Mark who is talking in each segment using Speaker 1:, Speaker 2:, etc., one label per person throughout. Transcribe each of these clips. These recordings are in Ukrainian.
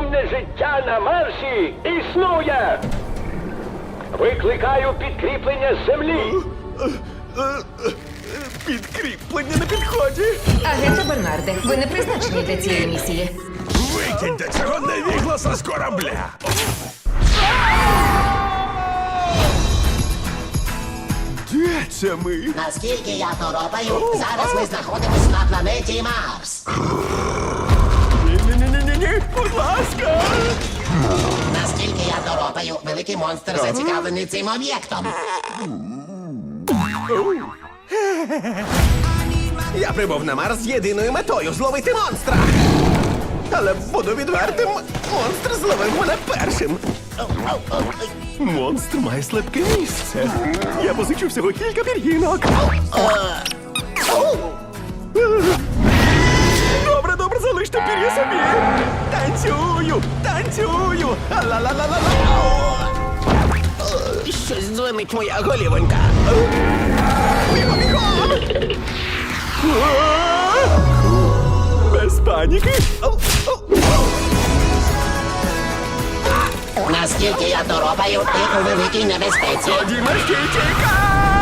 Speaker 1: Інне життя на Марсі існує! Викликаю підкріплення з землі!
Speaker 2: Підкріплення на підході.
Speaker 3: Агенте Бернарде, ви не призначені для цієї місії.
Speaker 4: Викиньте цього невігласа з корабля!
Speaker 2: Де це ми?
Speaker 5: Наскільки я торопаю, зараз ми знаходимося на планеті Марс.
Speaker 2: Ні-ні-ні-ні-ні, будь ласка!
Speaker 5: Наскільки я торопаю, великий монстр зацікавлений цим об'єктом.
Speaker 2: Я прибув на Марс з єдиною метою — зловити монстра. Але буду відвертим, монстр зловив мене першим. Монстр має слабке місце. Я позичу всього кілька пір'їнок. Добре, добре, залиште пір'я собі. Танцюю, танцюю. Ла-ла-ла-ла-ла. Щось дзвонить моя голівонька. Бігом, бігом! Без паніки.
Speaker 5: Наскільки я торопаю, ти у великій небезпеці.
Speaker 2: Дімашки, тікай!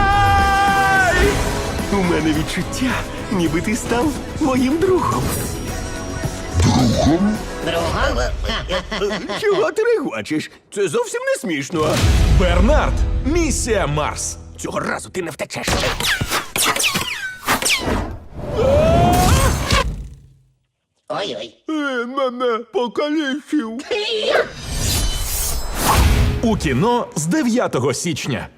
Speaker 2: У мене відчуття, ніби ти став моїм другом.
Speaker 5: Другом?
Speaker 2: Чого ти регочеш? Це зовсім не смішно.
Speaker 4: Бернард! Місія Марс!
Speaker 2: Цього разу ти не втечеш.
Speaker 5: Ой-ой.
Speaker 2: Мене покалічив.
Speaker 4: У кіно з 9 січня.